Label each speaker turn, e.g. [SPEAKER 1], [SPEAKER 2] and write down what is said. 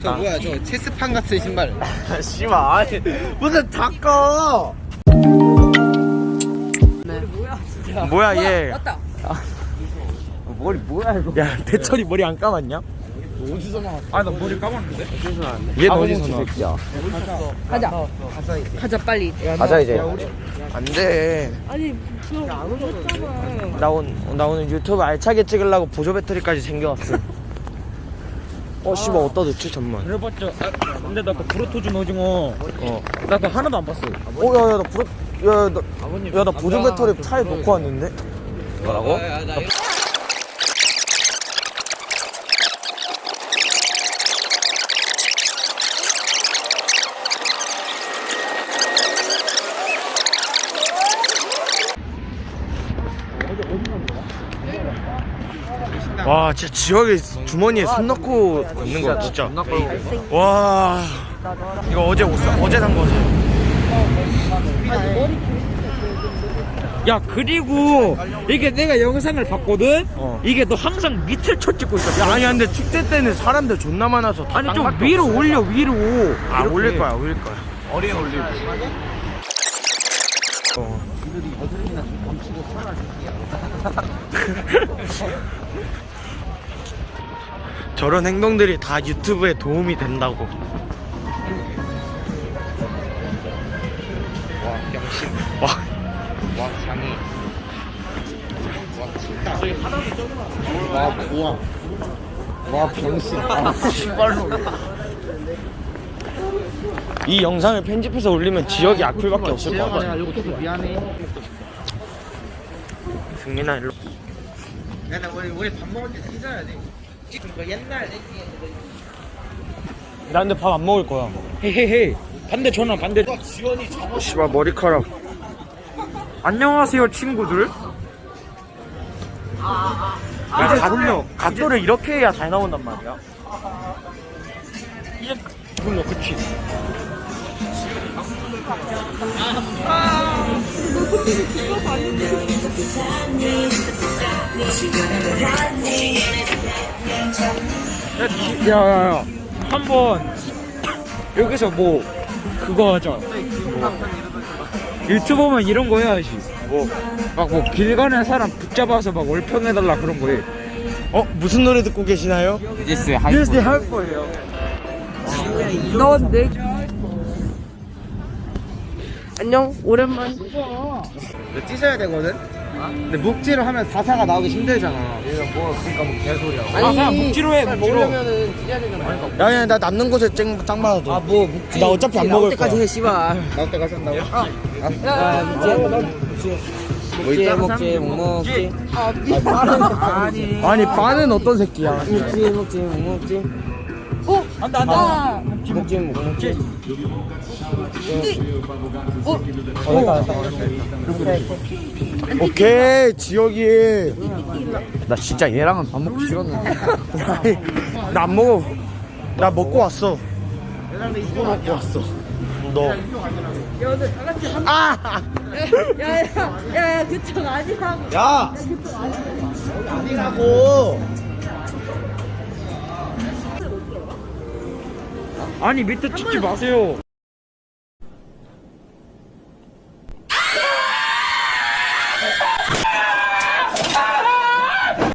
[SPEAKER 1] 뭐야 저 체스판 같은 신발.
[SPEAKER 2] 씨발 아니 무슨 닦아. 뭐야 얘.
[SPEAKER 3] 맞다.
[SPEAKER 2] 머리 뭐야 이거. 야 대철이 머리 안 감았냐?
[SPEAKER 1] 어디서 나왔어?
[SPEAKER 2] 아나 머리 감았는데. 얘 어디서 나왔어?
[SPEAKER 3] 가자. 가자 빨리.
[SPEAKER 2] 가자 이제. 안돼.
[SPEAKER 3] 아니 그럼 안 오셨잖아.
[SPEAKER 2] 나 오늘 유튜브 알차게 찍으려고 보조 배터리까지 챙겨왔어. 씨발 어디다 넣지 잠만.
[SPEAKER 4] 그래봤자 근데 나 그 브로토준 오징어 나 그거 하나도 안 봤어.
[SPEAKER 2] 나 보조 배터리 차에 놓고 왔는데. 뭐라고? 와 진짜 지혁이 주머니에 손 넣고 있는 거야 진짜. 와 이거 어제 산 거지.
[SPEAKER 4] 야 그리고 이게 내가 영상을 봤거든. 이게 너 항상 밑을 쳐 찍고 있어.
[SPEAKER 2] 야 아니 근데 축제 때는 사람들 존나 많아서 다
[SPEAKER 4] 아니 좀
[SPEAKER 2] 땅밖에
[SPEAKER 4] 위로
[SPEAKER 2] 없어.
[SPEAKER 4] 올려 위로.
[SPEAKER 2] 아
[SPEAKER 4] 이렇게.
[SPEAKER 2] 올릴 거야. 어리에 올리고. 저런 행동들이 다 유튜브에 도움이 된다고.
[SPEAKER 1] 와 병신.
[SPEAKER 2] 와
[SPEAKER 1] 와 장애. 와 고아. 와 병신.
[SPEAKER 2] 씨발로. 이 영상을 편집해서 올리면 지역이 악플밖에 없을 것 같아.
[SPEAKER 1] 미안해.
[SPEAKER 2] 승민아 일로.
[SPEAKER 1] 야, 우리 밥 먹을 때 찢어야 돼. 그 옛날
[SPEAKER 2] 나 근데 밥 안 먹을 거야.
[SPEAKER 4] 헤헤헤. 반대 전화 반대.
[SPEAKER 2] 씨발 머리카락.
[SPEAKER 4] 안녕하세요 친구들.
[SPEAKER 2] 각도를 이렇게 해야 잘 나온단 말이야.
[SPEAKER 4] 이제 불러 그치. 야야야 한번 여기서 뭐 그거 하자. 유튜버면 이런 거 해야지. 막 뭐 길 가는 사람 붙잡아서 막 월평해달라 그런 거 해.
[SPEAKER 2] 무슨 노래 듣고 계시나요?
[SPEAKER 1] 예스
[SPEAKER 2] 뉴스 할 거예요.
[SPEAKER 3] 넌 내. 안녕 오랜만.
[SPEAKER 1] 찢어야 되거든. 근데 묵지로 하면 사사가 나오기 힘들잖아. 그러니까 뭐 개소리야.
[SPEAKER 4] 아 그냥 묵지로 해 묵지로.
[SPEAKER 1] 먹으려면은 찢어야 되잖아.
[SPEAKER 2] 야야 나 남는 곳에 짱 받아도.
[SPEAKER 1] 뭐 묵지.
[SPEAKER 2] 나 어차피 안 먹을 거야.
[SPEAKER 1] 해 씨발. 나올 때까지 한다고? 묵지. 묵묵지.
[SPEAKER 2] 아니 빠는 어떤 새끼야?
[SPEAKER 1] 묵묵지.
[SPEAKER 4] 안다
[SPEAKER 1] 묵묵지.
[SPEAKER 2] 오케이 지혁이.
[SPEAKER 1] 나 진짜 얘랑은 밥 먹기 싫었는데.
[SPEAKER 2] 나 안 먹어. 나 먹고 왔어. 누구 먹고 왔어? 너.
[SPEAKER 3] 야 오늘 다 같이 한.
[SPEAKER 2] 아!
[SPEAKER 3] 야야야야 그쪽 아니라고.
[SPEAKER 2] 야! 아니라고.
[SPEAKER 4] 아니 밑에 찍지 마세요.